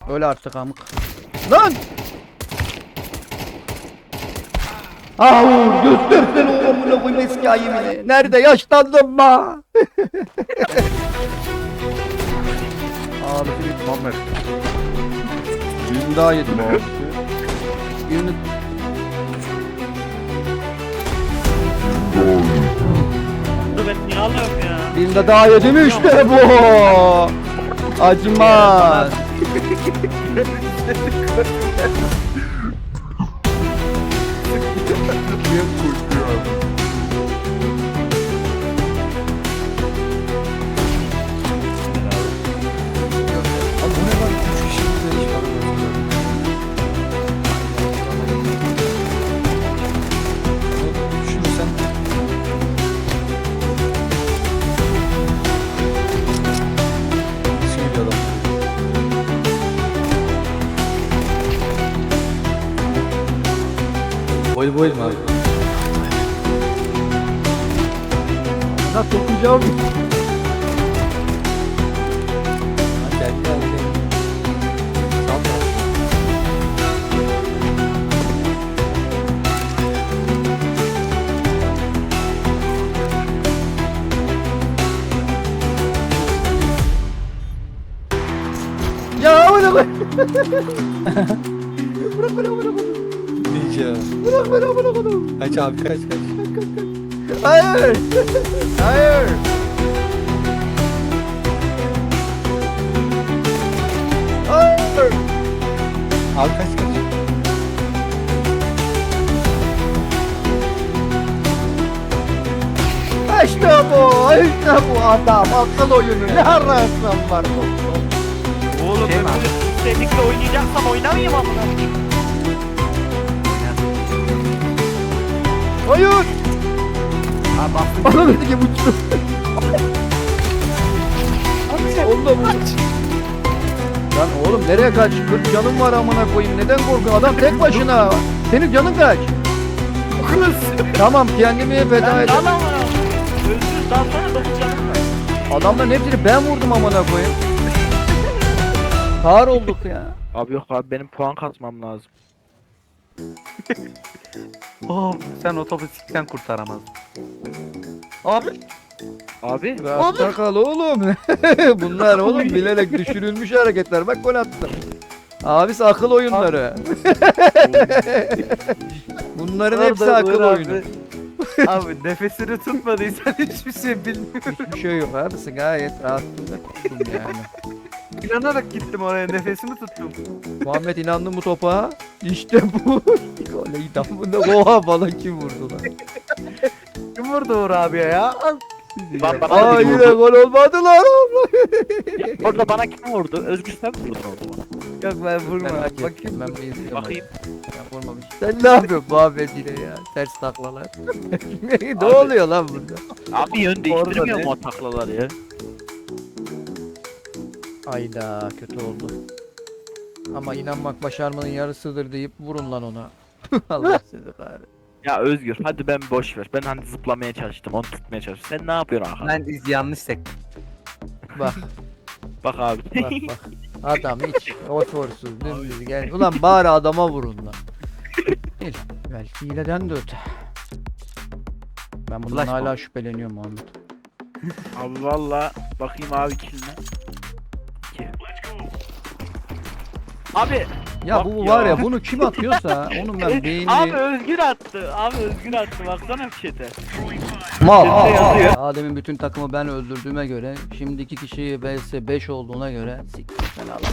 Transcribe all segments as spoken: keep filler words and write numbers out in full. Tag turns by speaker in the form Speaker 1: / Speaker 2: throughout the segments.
Speaker 1: Öyle artık amık. Lan! Aa, göstersene o amına koyayım eski ayımını. Nerede yaşlandım ma? Abi bir
Speaker 2: Muhammed.
Speaker 1: birini daha yedim abi. Birini...
Speaker 3: Dur ben niye alıyorum ya?
Speaker 1: Birini de daha yedim işte bu. Acımaz.
Speaker 2: Niye koşuyor abi? Abi bu ne lan? Üç kişi bize iş yapıyor. Düşünürsen söyle adam. Boy boy mu abi?
Speaker 1: Nasıl okuyacağım?
Speaker 2: Gel gel gel. Sağ taraf.
Speaker 1: Ya amına koy. Bırak bırak bırak bırak.
Speaker 2: Ninja.
Speaker 1: Bırak bırak bırak bırak.
Speaker 2: Kaç abi kaç kaç.
Speaker 1: Hayır. Hayır. Hayır.
Speaker 2: Abi kaç kaç.
Speaker 1: İşte bu. İşte bu adam. Akıl oyunu. Ne ararsan var bu.
Speaker 3: Oğlum
Speaker 1: Şey
Speaker 3: ben
Speaker 1: mi
Speaker 3: böyle istedikle oynayacaksam oynamayayım amına.
Speaker 1: Hayır.
Speaker 3: Ha bak.
Speaker 1: Bana dedi ki uçtu. Onu da vurdu. Lan oğlum nereye kaç? kırk canım var amına koyayım. Neden korkuyorsun? Adam tek başına. Senin canın kaç?
Speaker 3: Kız.
Speaker 1: Tamam kendimi feda
Speaker 3: Ben
Speaker 1: edeyim.
Speaker 3: lan amına. Özgür dalsana dokuz canım var.
Speaker 1: Adamların hepsini ben vurdum amına koyayım. Kar olduk ya.
Speaker 4: Abi yok abi benim puan kasmam lazım.
Speaker 5: Oh, sen otobüsten kurtaramaz. Abi.
Speaker 4: Abi
Speaker 1: Rahatta kal oğlum. Bunlar oğlum bilerek düşürülmüş hareketler. Bak gol attım. Abisi akıl oyunları. Bunların hepsi
Speaker 5: Orada
Speaker 1: akıl
Speaker 5: Uğur
Speaker 1: oyunu.
Speaker 5: abi. Abi nefesini tutmadıysan hiçbir şey bilmiyorum.
Speaker 1: Hiçbir şey yok abisi gayet rahatlıkla tuttum yani.
Speaker 5: İnanarak gittim oraya, nefesimi tuttum.
Speaker 1: Muhammed inandı mı topa? İşte bu. Goley damında oha falan kim vurdu lan?
Speaker 5: Kim vurdu Uğur abiye ya?
Speaker 4: Ben bana
Speaker 1: Aa
Speaker 4: biri
Speaker 1: yine
Speaker 4: vurdu.
Speaker 1: gol olmadı lan.
Speaker 4: Orada bana kim vurdu? Özgür sen mi vurdun orada bana?
Speaker 5: Yok ben vurmadım.
Speaker 1: Merak
Speaker 5: Bakayım.
Speaker 1: ettim ben bir izliyorum.
Speaker 4: Bakayım.
Speaker 1: Ya vurmamış. Sen ne yapıyorsun Muhammed yine ya? Ters taklalar. Ne oluyor lan burada?
Speaker 4: Abi yön değiştirmiyor
Speaker 5: ne?
Speaker 4: mu o taklaları ya?
Speaker 1: Ayda kötü oldu. Ama inanmak başarmanın yarısıdır deyip vurun lan ona. Allah sizi kahretsin.
Speaker 4: Ya Özgür hadi ben boş ver. Ben hani zıplamaya çalıştım onu tutmaya çalıştım. Sen ne yapıyorsun Hakan?
Speaker 5: Ben iz yanlış sektim.
Speaker 1: Bak
Speaker 4: Bak abi.
Speaker 1: bak bak. Adam hiç otursuz dümdüz gel. Ulan bari adama vurun lan. Değil. Belki hileden de öte. Ben bundan
Speaker 5: Flash
Speaker 1: hala
Speaker 5: bomb.
Speaker 1: şüpheleniyorum Muhammed.
Speaker 4: Abi valla bakayım abi kiline. İki. Abi.
Speaker 1: Ya
Speaker 4: Bak
Speaker 1: bu
Speaker 4: ya.
Speaker 1: var ya bunu kim atıyorsa onun ben beynini...
Speaker 3: Abi Özgür attı. Abi Özgür attı. Baksana bir şeyde.
Speaker 1: Mal.
Speaker 3: Üstünde yazıyor.
Speaker 1: Adem'in bütün takımı ben öldürdüğüme göre, şimdi iki kişi vs beş olduğuna göre siktir sen Allah.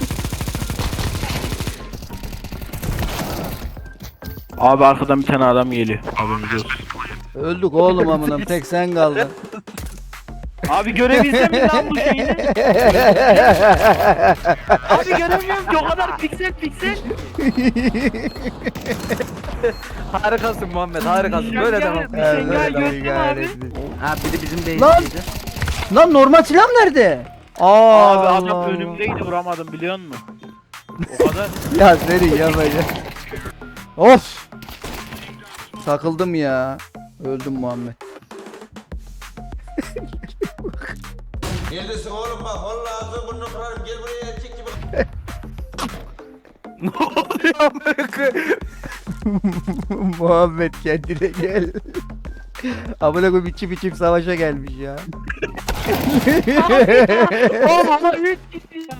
Speaker 4: Abi arkadan bir tane adam geliyor. Haberiniz olsun.
Speaker 1: Öldük oğlum amınım tek sen kaldın.
Speaker 3: Abi görebilsem mi lan bu şeyi? Abi göremiyorum ki o kadar piksel piksel.
Speaker 5: Harikasın Muhammed, harikasın.
Speaker 3: Şengel-
Speaker 5: Böyle devam.
Speaker 3: bir şengel gördüm abi.
Speaker 5: Ha biri bizim
Speaker 1: Lan!
Speaker 5: değiştiydi.
Speaker 1: Lan normal silah nerede? Aa,
Speaker 4: Abi adam
Speaker 1: Allah.
Speaker 4: önümdeydi vuramadım biliyor musun? O kadar.
Speaker 1: Ya seni yapacak. Of. Takıldım ya. Öldüm Muhammed.
Speaker 6: Neredesin oğlum bak vallahi ağzını burnunu kırarım gel buraya erkek gibi.
Speaker 5: Ne oluyor amına koyayım?
Speaker 1: Muhammed kendine gel. Amına koyayım içim içim savaşa gelmiş ya.
Speaker 3: Oğlum ama üç gitti ya.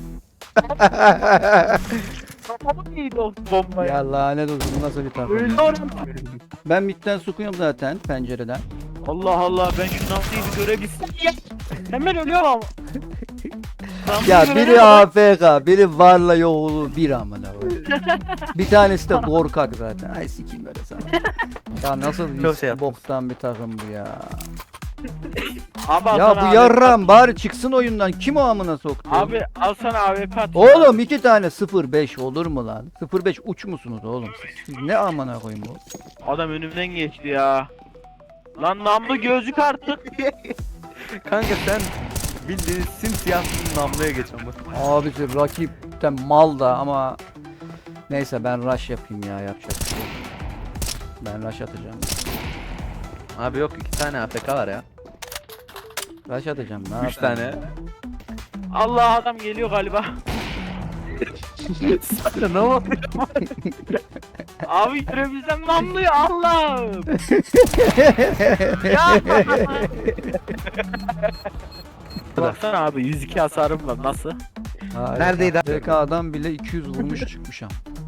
Speaker 3: Kafamı yedi o bomba ya.
Speaker 1: Ya lanet olsun bu nasıl bir takım.
Speaker 3: Öyle oğlum.
Speaker 1: Ben midden sokuyorum zaten pencereden.
Speaker 3: Allah Allah ben şu Namlı'yı bir görebilsem ya. Hemen ölüyorum ama. Namlı'yı
Speaker 1: Ya
Speaker 3: görelim
Speaker 1: biri
Speaker 3: ama.
Speaker 1: A F K, biri varla yoğulu bir amına koyayım. Bir tanesi de korkak zaten. Ay sikeyim böyle sana. Ya nasıl
Speaker 5: Çok
Speaker 1: bir
Speaker 5: şey yaptın.
Speaker 1: boktan bir takım bu ya.
Speaker 3: Abi, al
Speaker 1: Ya
Speaker 3: sana
Speaker 1: bu
Speaker 3: A W P
Speaker 1: yarram bari çıksın oyundan. Kim o amına soktu?
Speaker 3: Abi al sana A W P at.
Speaker 1: Oğlum iki tane sıfır beş olur mu lan? sıfır beş uç musunuz oğlum siz? Siz ne amına koyayım bu?
Speaker 3: Adam önümden geçti ya. Lan namlu gözlük artık.
Speaker 5: Kanka sen bildiğin simsiyahsın namluya geç ama.
Speaker 1: Abisi rakipten mal da ama neyse ben rush yapayım ya yapacak bir şey yok. Ben rush atacağım.
Speaker 5: Abi yok iki tane A F K var ya.
Speaker 1: Rush atacağım ne
Speaker 5: Üç
Speaker 1: yapayım?
Speaker 5: tane.
Speaker 3: Allah adam geliyor galiba.
Speaker 5: Sana ne oldu?
Speaker 3: Abi görebilsem namluyu Allah'ım. Ya. Baksana abi yüz iki hasarım var nasıl?
Speaker 1: Harika.
Speaker 5: Neredeydi abi?
Speaker 1: T K adam bile iki yüz vurmuş çıkmış am.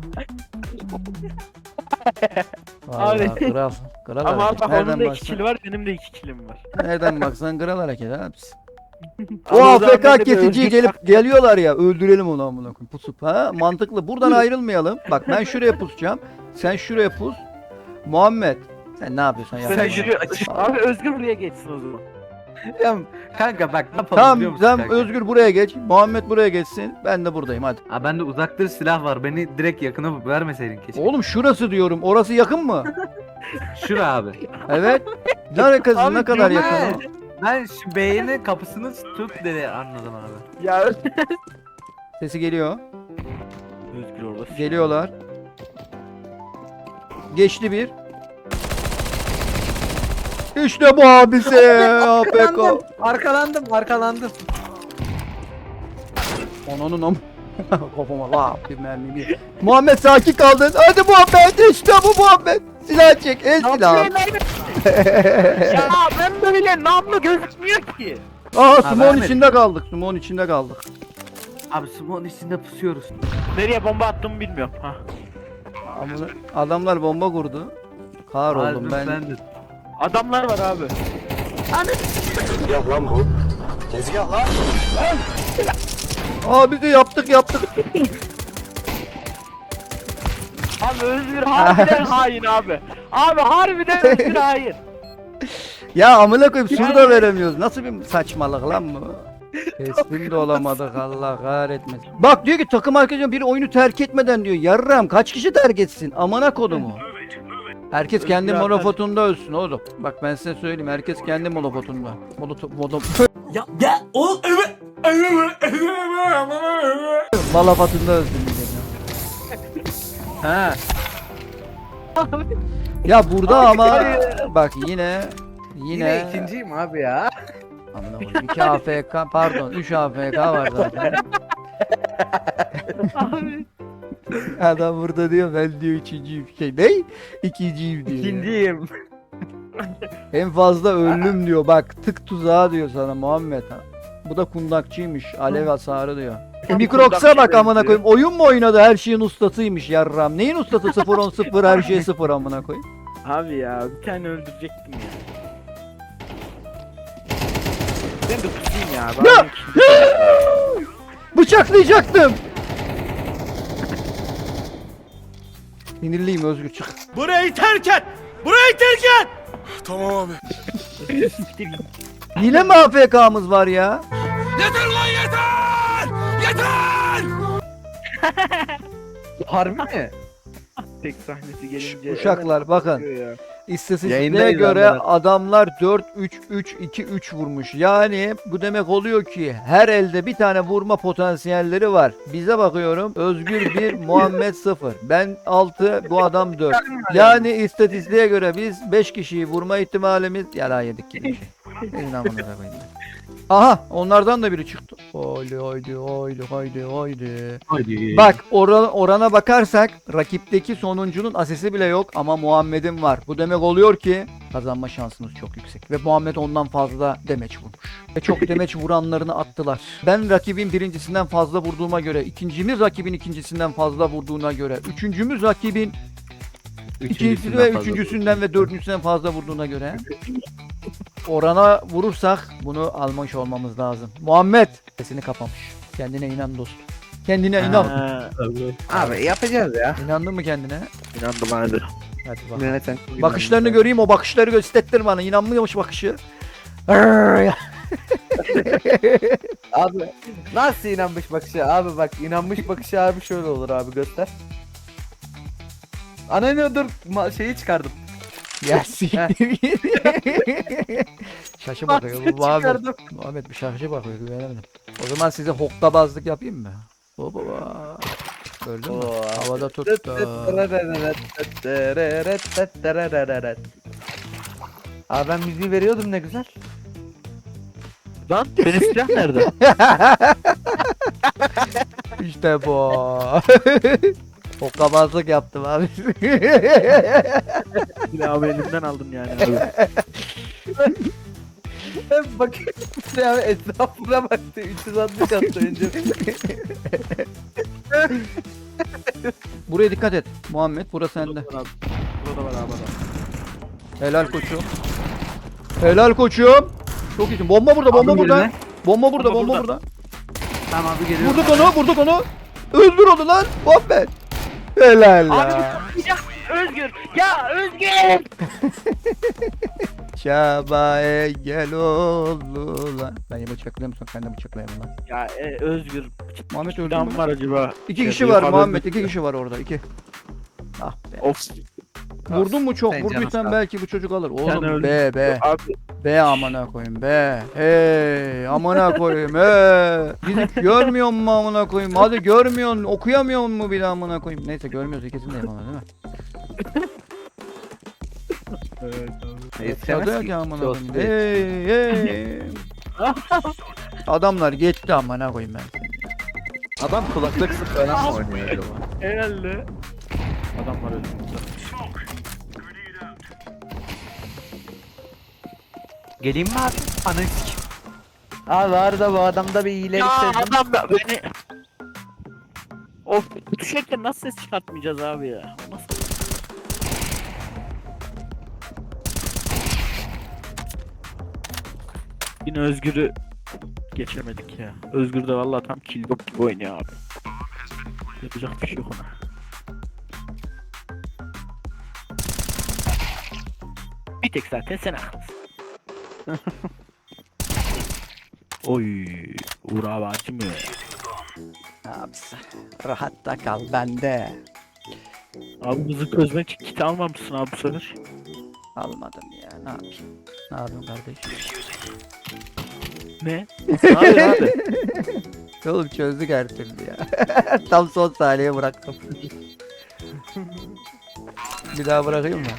Speaker 1: Vallahi
Speaker 3: Abi.
Speaker 1: kral. Kral
Speaker 3: Ama
Speaker 1: hareket.
Speaker 3: bak
Speaker 1: Nereden
Speaker 3: onun da iki
Speaker 1: baksan,
Speaker 3: kill var benim de iki killim var.
Speaker 1: nereden baksan kral hareket abisi.
Speaker 3: Ama
Speaker 1: O
Speaker 3: o zaman
Speaker 1: A F K
Speaker 3: ben de
Speaker 1: kesiciye
Speaker 3: özgür
Speaker 1: gelip geliyorlar ya öldürelim onu amına koyayım pusup ha mantıklı buradan ayrılmayalım. Bak ben şuraya pusacağım. Sen şuraya pus. Muhammed sen ne yapıyorsan yap.
Speaker 5: Sen
Speaker 3: Sen
Speaker 5: yürü açık.
Speaker 3: Abi Özgür buraya geçsin o zaman.
Speaker 5: Ya kanka bak ne yapalım biliyor
Speaker 1: Tamam
Speaker 5: musun
Speaker 1: sen
Speaker 5: kanka?
Speaker 1: Özgür buraya geç. Muhammed buraya geçsin. Ben de buradayım hadi.
Speaker 5: Aa bende uzaktır silah var. Beni direkt yakına vermeseydin keşke.
Speaker 1: Oğlum şurası diyorum. Orası yakın mı?
Speaker 5: Şura abi.
Speaker 1: Evet. Ne alakası
Speaker 3: Abi
Speaker 1: ne kadar
Speaker 3: diyorum
Speaker 1: yakın o?
Speaker 5: Ben şu beynin kapısını tut dedi anladım abi.
Speaker 3: Ya
Speaker 1: Sesi geliyor.
Speaker 3: Özgür orada.
Speaker 1: Geliyorlar. Geçti bir. İşte bu abisi. A F K.
Speaker 5: Arkalandım, arkalandım.
Speaker 1: Onun om. Kafama la bir mermi bir. Muhammed sakin kaldın. Hadi Muhammed işte bu Muhammed. Silah çek. El silahı.
Speaker 3: Ya ben böyle namlu gözükmüyor ki.
Speaker 1: Aa
Speaker 5: Ha,
Speaker 1: sumon
Speaker 5: vermedim.
Speaker 1: içinde kaldık. Sumon içinde kaldık.
Speaker 5: Abi smoke'un içinde pusuyoruz.
Speaker 3: Nereye bomba attığımı bilmiyorum. Ha.
Speaker 1: Amına- Adamlar bomba kurdu. Kahr oldum ben.
Speaker 5: de.
Speaker 3: Adamlar var abi.
Speaker 1: Abi de yaptık yaptık.
Speaker 3: Abi Özgür harbiden hain abi. Abi harbiden Özgür hain.
Speaker 1: Ya amına koyayım sur da veremiyoruz. Nasıl bir saçmalık lan bu? Teslim de olamadık Allah kahretmesin. Bak diyor ki takım arkadaşım biri oyunu terk etmeden diyor. Yarram kaç kişi terk etsin? Amına kodumu. Herkes kendi
Speaker 3: Özgür
Speaker 1: monofotunda ölsün oğlum. Bak ben size söyleyeyim herkes kendi monofotunda. Monoto mono
Speaker 6: Ya ya oğlum evet.
Speaker 1: malafatında ölsün diyeceğim ya.
Speaker 5: Ha.
Speaker 1: Ya burada ama bak yine
Speaker 5: Yine,
Speaker 1: yine
Speaker 5: ikinciyim abi ya.
Speaker 1: Amına koyayım iki A F K pardon üç A F K var zaten.
Speaker 3: Abi.
Speaker 1: Adam burada diyor ben diyor üçüncüyüm şey ne? İkinciyim diyor. ya.
Speaker 5: İkinciyim.
Speaker 1: En fazla öldüm diyor bak tık tuzağı diyor sana Muhammed ha. Bu da kundakçıymış alev hasarı diyor. E, Mikrox'a bak amına koyayım oyun mu oynadı her şeyin ustasıymış yarram. Neyin ustası sıfır on sıfır her şey sıfır amına koyayım.
Speaker 3: Abi ya bir tane öldürecektim ya. Ben de kusayım ya.
Speaker 1: Ya! Bıçaklayacaktım. Sinirliyim Özgür çık.
Speaker 6: Burayı terk et. Burayı terk et. Tamam abi.
Speaker 1: Yine mi A F K'mız var ya?
Speaker 6: Yeter lan yeter. Yeter.
Speaker 5: Harbi mi?
Speaker 3: Tek sahnesi gelince.
Speaker 1: Uşaklar bakın.
Speaker 3: hemen ya.
Speaker 1: İstatistiğe
Speaker 5: Yayındayız
Speaker 1: göre
Speaker 5: amına.
Speaker 1: adamlar dört üç üç iki üç vurmuş. Yani bu demek oluyor ki her elde bir tane vurma potansiyelleri var. Bize bakıyorum. Özgür bir, Muhammed sıfır. Ben altı, bu adam dört. Yani istatistiğe göre biz beş kişiyi vurma ihtimalimiz yala yedik gibi bir şey. Senin amına koyayım. Aha onlardan da biri çıktı. Haydi haydi haydi haydi haydi.
Speaker 5: Haydi.
Speaker 1: Bak oran, orana bakarsak rakipteki sonuncunun asesi bile yok ama Muhammed'in var. Bu demek oluyor ki kazanma şansınız çok yüksek. Ve Muhammed ondan fazla demeç vurmuş. Ve çok demeç vuranlarını attılar. Ben rakibin birincisinden fazla vurduğuma göre, ikincimiz rakibin ikincisinden fazla vurduğuna göre, üçüncümüz rakibin ikincisi ve üçüncüsünden ve dördüncüsünden fazla vurduğuna göre orana vurursak bunu almış olmamız lazım. Muhammed sesini kapamış. Kendine inan dostum. Kendine inan.
Speaker 3: Ha,
Speaker 5: Abi yapacağız ya.
Speaker 1: İnandın mı kendine?
Speaker 4: İnandım hadi.
Speaker 1: Hadi bak.
Speaker 5: Yöneten.
Speaker 1: Bakışlarını göreyim, o bakışları göstertir bana. İnanmıyormuş bakışı. Arr ya.
Speaker 5: Abi nasıl inanmış bakışı? Abi bak inanmış bakışı abi şöyle olur abi göster. Ananı dur ma- şeyi çıkardım.
Speaker 1: Ya siktir git. Şaşı bakıyor bu Muhammed.
Speaker 5: Çıkardım.
Speaker 1: Muhammed bir şaşı bakıyor güvenemedim. O zaman size hokkabazlık yapayım mı? Baba baba. Gördün mü?
Speaker 5: Oo.
Speaker 1: Havada tuttu.
Speaker 5: Abi ben müziği veriyordum ne güzel.
Speaker 4: Lan benim silah nerede?
Speaker 1: İşte bu. Hokkabazlık yaptım abi.
Speaker 4: Silahımı elimden aldın yani abi.
Speaker 5: Bak ya etrafına baktı üç yüz altmış attı önce.
Speaker 1: Buraya dikkat et. Muhammed burası sende.
Speaker 4: Burada var abi adam.
Speaker 1: Helal koçum. Helal koçum. Çok iyisin. Bomba burada, bomba
Speaker 5: Aldım
Speaker 1: burada.
Speaker 5: birine.
Speaker 1: Bomba burada,
Speaker 4: Bomba
Speaker 1: bomba
Speaker 4: burada.
Speaker 1: burada.
Speaker 5: Tamam abi geliyorum.
Speaker 1: Vurduk onu, vurduk onu. Öldür onu lan. Muhammed. Helal
Speaker 3: Abi
Speaker 1: ya.
Speaker 3: ya Özgür. Ya Özgür.
Speaker 1: Şaba'ya gel oldu lan. Ben ya bıçaklayayım sonra sen de bıçaklayayım lan.
Speaker 4: Ya e, Özgür.
Speaker 1: Muhammed öldü
Speaker 4: Silahım
Speaker 1: mü?
Speaker 4: var acaba?
Speaker 1: İki
Speaker 4: Şey,
Speaker 1: kişi var
Speaker 4: yukarıda-
Speaker 1: Muhammed, iki kişi var orada, iki. Ah be.
Speaker 4: Of.
Speaker 1: Vurdun mu çok?
Speaker 5: Sen
Speaker 1: Vurduysan
Speaker 5: canım.
Speaker 1: belki bu çocuk alır.
Speaker 4: Sen
Speaker 1: Oğlum
Speaker 4: öldün.
Speaker 1: be be.
Speaker 4: Abi
Speaker 1: Be amına koyayım be. Hey amına koyayım he. Bizi görmüyor mu amına koyayım? Hadi görmüyorsun, okuyamıyor mu bir amına koyayım? Neyse görmüyoruz ikisindeyim ama değil mi?
Speaker 5: Yetişemez
Speaker 1: Tadı
Speaker 5: ki.
Speaker 1: ki amına
Speaker 5: Olsun
Speaker 1: koyayım.
Speaker 5: diye.
Speaker 1: Hey hey. Adamlar geçti amına koyayım ben.
Speaker 5: Adam kulaklık sık falan mı oynuyor acaba?
Speaker 4: herhalde. Adam var önümüzde.
Speaker 5: Geleyim mi abi? Ananı sikeyim. Abi arada bu adamda bir iyilik
Speaker 4: Ya
Speaker 5: sezdim.
Speaker 4: adam da beni... Of düşerken nasıl ses çıkartmayacağız abi ya? O Nasıl? Yine Özgür'ü geçemedik ya. Özgür de vallahi tam killbot gibi oynuyor abi. Yapacak bir şey yok ona. Bir tek zaten sen haklısın. Oy, Uğur abi acımıyor.
Speaker 1: Abisi. Rahatta kal bende.
Speaker 4: Abi bizi közme kit almamışsın abi bu sefer.
Speaker 1: Almadım ya ne yapayım. Ne yapayım kardeşim?
Speaker 4: Ne? Ne yapıyorsun abi?
Speaker 1: Oğlum çözdük her türlü ya. Tam son saniye bıraktım. Bir daha bırakayım mı?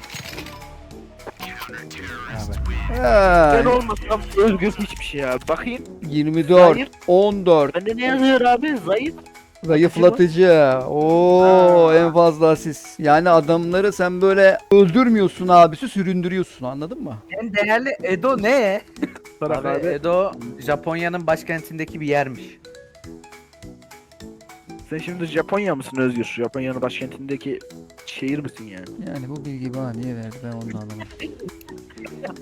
Speaker 4: Ben
Speaker 1: Ha,
Speaker 4: olmasam Özgür hiçbir şey abi. Bakayım.
Speaker 1: yirmi dört,
Speaker 4: Hayır.
Speaker 1: on dört.
Speaker 4: Bende ne yazıyor abi? Zayıf.
Speaker 1: Zayıflatıcı. Oo
Speaker 4: Ha.
Speaker 1: en fazla asist. Yani adamları sen böyle öldürmüyorsun abisi, süründürüyorsun anladın mı?
Speaker 5: En değerli Edo ne?
Speaker 4: Bırak
Speaker 5: Abi,
Speaker 4: abi.
Speaker 5: Edo Japonya'nın başkentindeki bir yermiş.
Speaker 4: Sen şimdi Japonya mısın Özgür? Japonya'nın başkentindeki şehir misin yani?
Speaker 1: Yani bu bilgi bana niye verdi ben onu da anlamadım.